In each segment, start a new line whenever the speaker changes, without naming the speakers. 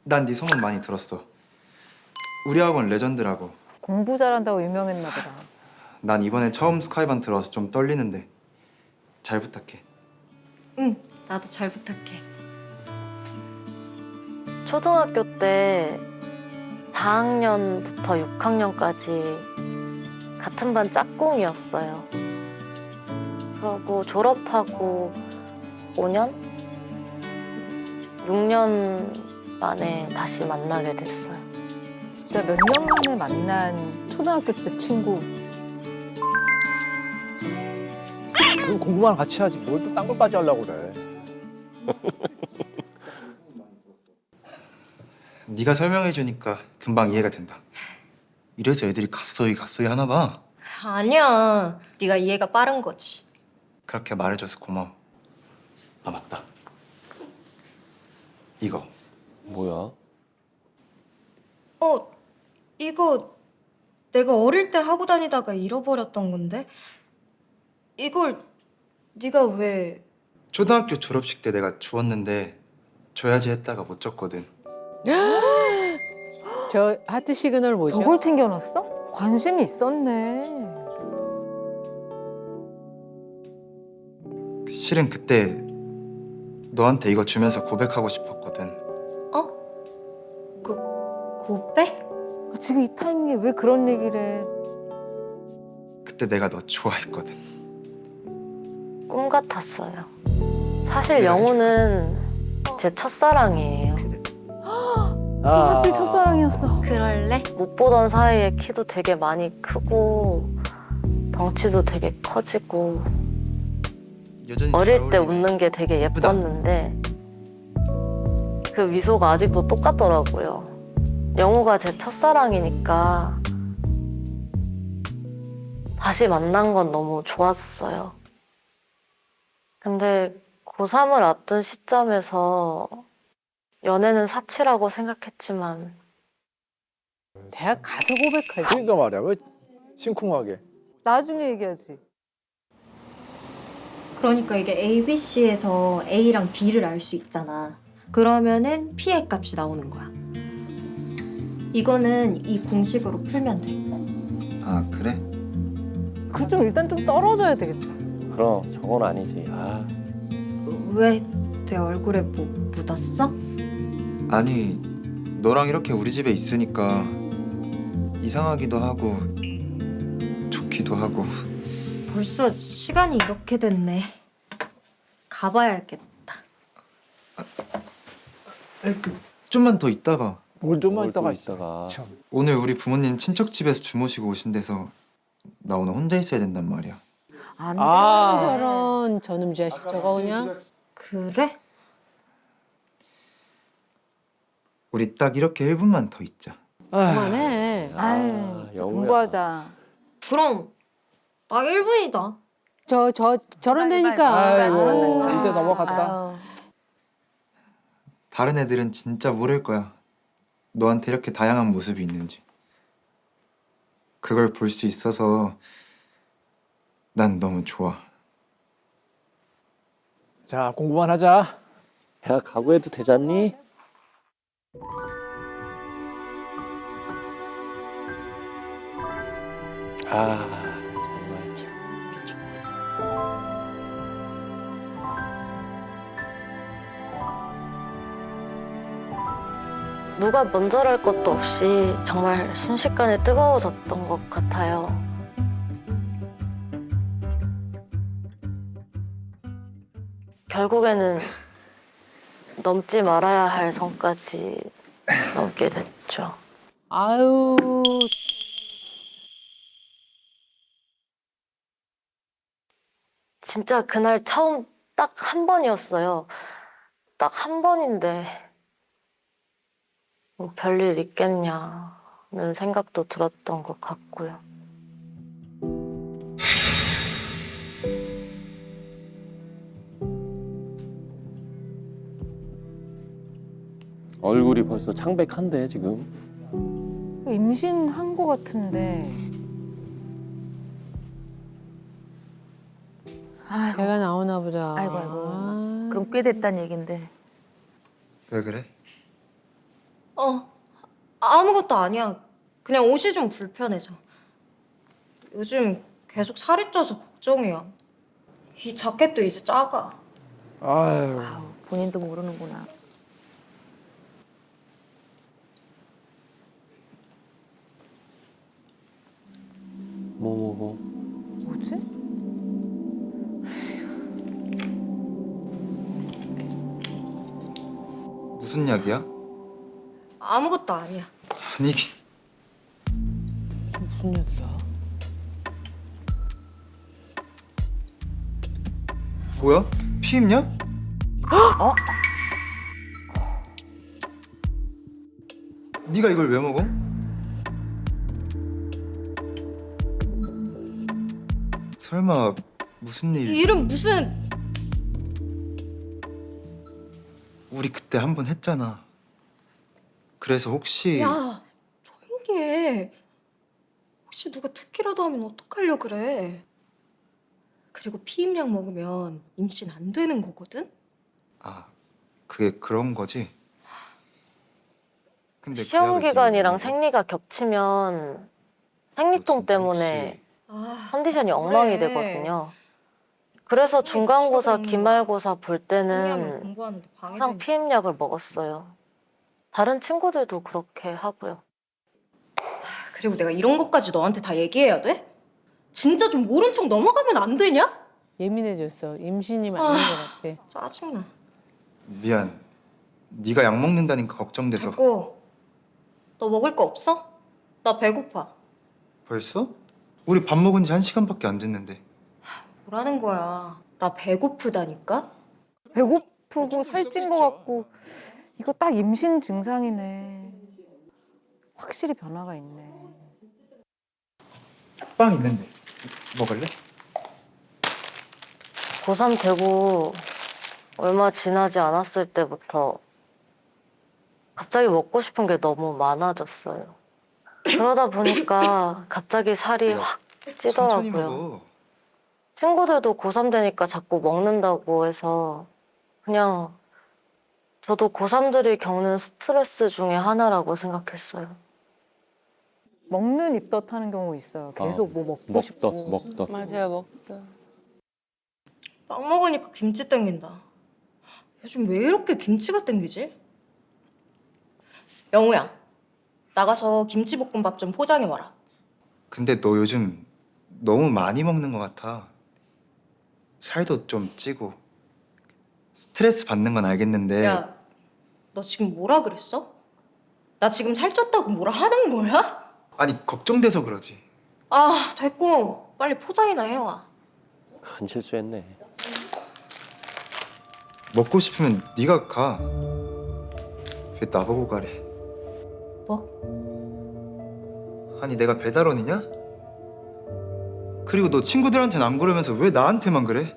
난 네 소문 많이 들었어. 우리 학원 레전드라고.
공부 잘한다고 유명했나 보다.
난 이번에 처음 스카이반 들어와서 좀 떨리는데 잘 부탁해.
응, 나도 잘 부탁해.
초등학교 때 4학년부터 6학년까지 같은 반 짝꿍이었어요. 그러고 졸업하고 5년? 6년 만에 다시 만나게 됐어요.
진짜 몇 년 만에 만난 초등학교 때 친구.
그럼 공부만 같이 하지 뭘 또 딴 걸까지 하려고 그래.
네가 설명해 주니까 금방 이해가 된다. 이래서 애들이 갓소이 하나 봐.
아니야, 네가 이해가 빠른 거지.
그렇게 말해줘서 고마워. 아 맞다. 이거.
뭐야?
이거 내가 어릴 때 하고 다니다가 잃어버렸던 건데 이걸 네가 왜...
초등학교 졸업식 때 내가 주웠는데 줘야지 했다가 못 줬거든.
저 하트 시그널 뭐죠?
저걸 챙겨놨어? 관심이 있었네.
실은 그때 너한테 이거 주면서 고백하고 싶었거든.
고백?
아, 지금 이 타이밍에 왜 그런 얘기를 해?
그때 내가 너 좋아했거든.
꿈 같았어요. 사실
내가
영우는 제 첫사랑이에요.
하필 첫사랑이었어.
그럴래?
못 보던 사이에 키도 되게 많이 크고 덩치도 되게 커지고
여전히 잘
어릴 때
어울리네.
웃는 게 되게
예쁘다.
예뻤는데 그 미소가 아직도 똑같더라고요. 영우가 제 첫사랑이니까 다시 만난 건 너무 좋았어요. 근데 고3을 앞둔 시점에서 연애는 사치라고 생각했지만
대학 가서 고백하지.
그러니까 말이야 왜 심쿵하게.
나중에 얘기하지.
그러니까 이게 ABC에서 A랑 B를 알 수 있잖아. 그러면은 P의 값이 나오는 거야. 이거는 이 공식으로 풀면 돼.
아 그래?
그 좀 일단 좀 떨어져야 되겠다.
그럼 저건 아니지. 아,
왜 내 얼굴에 뭐 묻었어?
아니 너랑 이렇게 우리 집에 있으니까 이상하기도 하고 좋기도 하고.
벌써 시간이 이렇게 됐네. 가봐야겠다.
좀만 더 있다가.
뭘 좀만
뭘 또
있다가
있다가.
참.
오늘 우리 부모님 친척 집에서 주무시고 오신대서 나 오늘 혼자 있어야 된단 말이야.
안
아.
되는 저런 저놈 자식 저거 그냥.
그래?
우리 딱 이렇게 1분만 더 있자.
그만해.
아유, 또
영우야.
공부하자.
그럼 딱 1분이다.
저런 데니까.
아이고
아유.
이제 넘어갔다.
다른 애들은 진짜 모를 거야. 너한테 이렇게 다양한 모습이 있는지. 그걸 볼 수 있어서 난 너무 좋아.
자 공부만 하자.
야, 각오해도 되잖니? 아, 정말 참 미쳤다.
누가 먼저랄 것도 없이 정말 순식간에 뜨거워졌던 것 같아요. 결국에는 넘지 말아야 할 선까지 넘게 됐죠.
아유.
진짜 그날 처음 딱 한 번이었어요. 딱 한 번인데 뭐 별일 있겠냐는 생각도 들었던 것 같고요.
얼굴이 벌써 창백한데 지금.
임신한 거 같은데.
아이고,
배가 나오나 보다.
아이고, 아이고.
아.
그럼 꽤 됐단 얘긴데.
왜 그래?
아무것도 아니야. 그냥 옷이 좀 불편해서. 요즘 계속 살이 쪄서 걱정이야. 이 자켓도 이제 작아.
아유.
아우, 본인도 모르는구나.
뭐.
뭐지?
무슨 약이야?
아무것도 아니야.
아니
무슨 얘기야?
뭐야? 피임약?
어?
네가 이걸 왜 먹어? 설마 무슨 일?
일은 무슨...
우리 그때 한 번 했잖아. 그래서 혹시
야, 조용히 해. 혹시 누가 듣기라도 하면 어떡하려 그래. 그리고 피임약 먹으면 임신 안 되는 거거든?
아 그게 그런 거지? 근데 그
시험
약을
기간이랑
네가
생리가 겹치면
먹어?
생리통
너 진짜
때문에
아,
컨디션이 엉망이
그래.
되거든요. 그래서 중간고사,
추가
기말고사 볼
정리하면
때는
공부하는데
항상
방해되니까.
피임약을 먹었어요. 다른 친구들도 그렇게 하고요.
그리고 내가 이런 것까지 너한테 다 얘기해야 돼? 진짜 좀 모른 척 넘어가면 안 되냐?
예민해졌어. 임신이 맞는 것 같아.
짜증나.
미안. 네가 약 먹는다니까 걱정돼서.
됐고, 너 먹을 거 없어? 나 배고파.
벌써? 우리 밥 먹은 지 1시간밖에 안 됐는데.
뭐라는 거야? 나 배고프다니까?
배고프고 살찐 것 같고 이거 딱 임신 증상이네. 확실히 변화가 있네.
빵 있는데 먹을래?
고3 되고 얼마 지나지 않았을 때부터 갑자기 먹고 싶은 게 너무 많아졌어요. 그러다 보니까 갑자기 살이 확
천천히
찌더라고요.
먹어.
친구들도 고3 되니까 자꾸 먹는다고 해서 그냥 저도 고3들이 겪는 스트레스 중에 하나라고 생각했어요.
먹는 입덧 하는 경우 있어요. 계속 뭐 먹고 싶고.
먹덧.
맞아요, 먹다.
빵 먹으니까 김치 땡긴다. 요즘 왜 이렇게 김치가 땡기지? 영우야, 나가서 김치볶음밥 좀 포장해 와라.
근데 너 요즘 너무 많이 먹는 것 같아. 살도 좀 찌고. 스트레스 받는 건 알겠는데.
야, 너 지금 뭐라 그랬어? 나 지금 살쪘다고 뭐라 하는 거야?
아니 걱정돼서 그러지.
아, 됐고 빨리 포장이나 해와.
큰 실수했네.
먹고 싶으면 네가 가. 왜 나보고 가래?
뭐?
아니 내가 배달원이냐? 그리고 너 친구들한테는 안 그러면서 왜 나한테만 그래?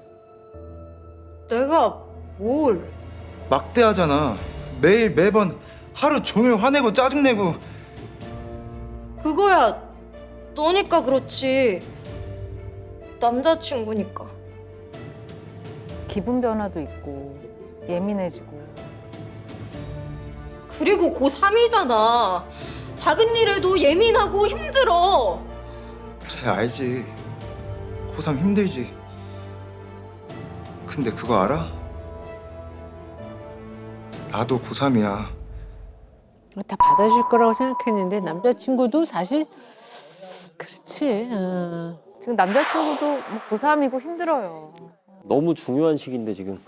내가 뭘?
막대하잖아. 매일 매번 하루 종일 화내고 짜증내고.
그거야 너니까 그렇지. 남자친구니까.
기분 변화도 있고 예민해지고.
그리고 고3이잖아. 작은 일에도 예민하고 힘들어.
그래 알지. 고3 힘들지. 근데 그거 알아? 나도 고3이야.
다 받아줄 거라고 생각했는데 남자친구도 사실 그렇지.
지금 남자친구도 뭐 고3이고 힘들어요.
너무 중요한 시기인데 지금.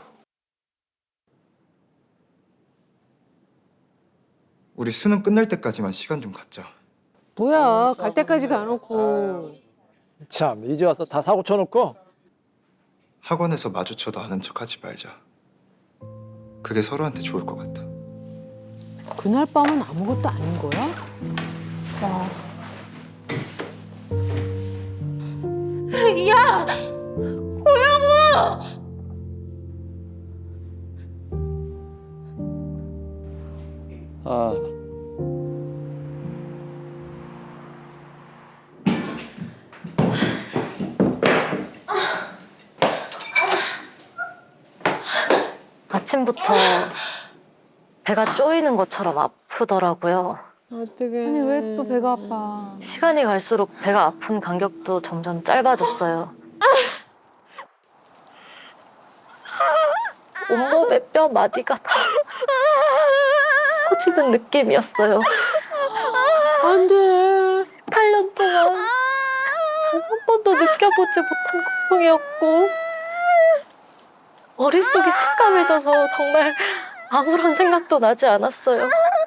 우리 수능 끝날 때까지만 시간 좀 갖자.
뭐야, 갈 때까지 가놓고.
참 이제 와서 다 사고 쳐놓고.
학원에서 마주쳐도 아는 척하지 말자. 그게 서로한테 좋을 것 같아.
그날 밤은 아무것도 아닌 거야?
야! 고영우!
아.
아침부터 배가 쪼이는 것처럼 아프더라고요.
어떡해.
아니 왜 또 배가 아파?
시간이 갈수록 배가 아픈 간격도 점점 짧아졌어요. 온몸의 뼈 마디가 다 터지는 느낌이었어요.
안 돼.
8년 동안 한 번도 느껴보지 못한 고통이었고 머릿속이 새까매져서 정말 아무런 생각도 나지 않았어요.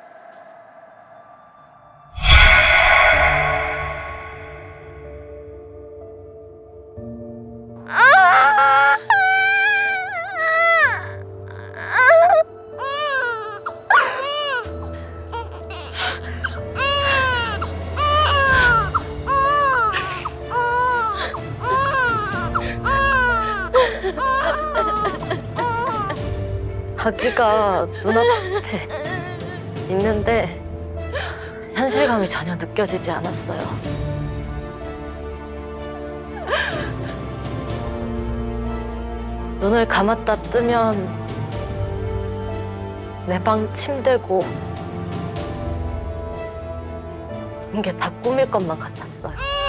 아기가 눈앞에 있는데 현실감이 전혀 느껴지지 않았어요. 눈을 감았다 뜨면 내 방 침대고 모든 게 다 꿈일 것만 같았어요.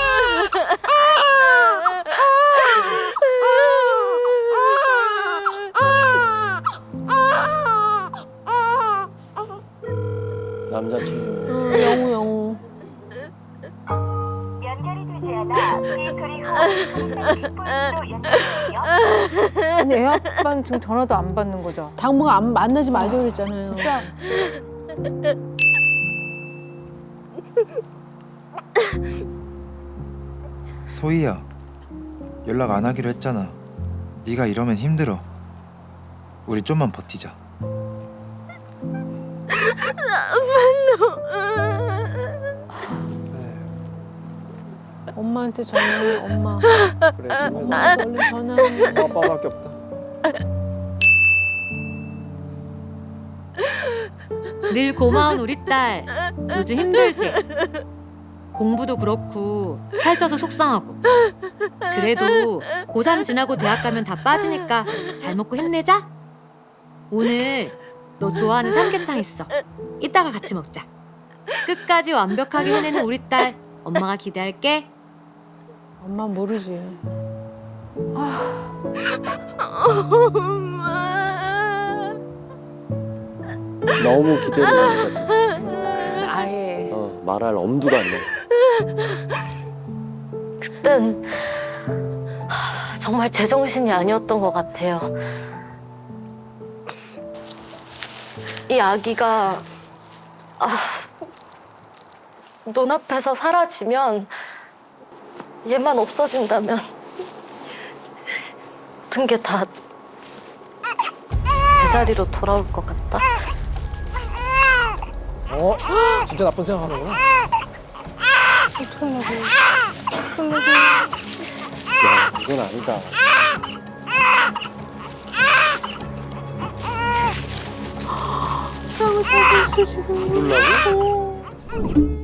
남자친구.
영우 영우.
연결이 되지 않아 그리고 뒷부분으로 연결되며
아니 애 아빠는 지금 전화도 안 받는 거죠?
당분간 안 만나지 말자 그랬잖아요.
진짜
소희야, 연락 안 하기로 했잖아. 네가 이러면 힘들어. 우리 좀만 버티자.
엄마한테 전화해. 엄마.
그래 지금
엄마한테 얼른 전화해.
엄마 아빠밖에 없다.
늘 고마운 우리 딸. 요즘 힘들지? 공부도 그렇고 살쪄서 속상하고. 그래도 고3 지나고 대학 가면 다 빠지니까 잘 먹고 힘내자. 오늘 너 좋아하는 삼계탕 있어. 이따가 같이 먹자. 끝까지 완벽하게 해내는 우리 딸. 엄마가 기대할게.
엄마 모르지.
너무 기대를 많이 했거든.
아예
말할 엄두가 안 나.
그땐 정말 제정신이 아니었던 것 같아요. 이 아기가 눈앞에서 사라지면 얘만 없어진다면 모든 게 다 제자리로 돌아올 것 같다.
진짜 나쁜 생각하는구나.
야, 그건 아니다.
사고 있어 지금.
놀라고?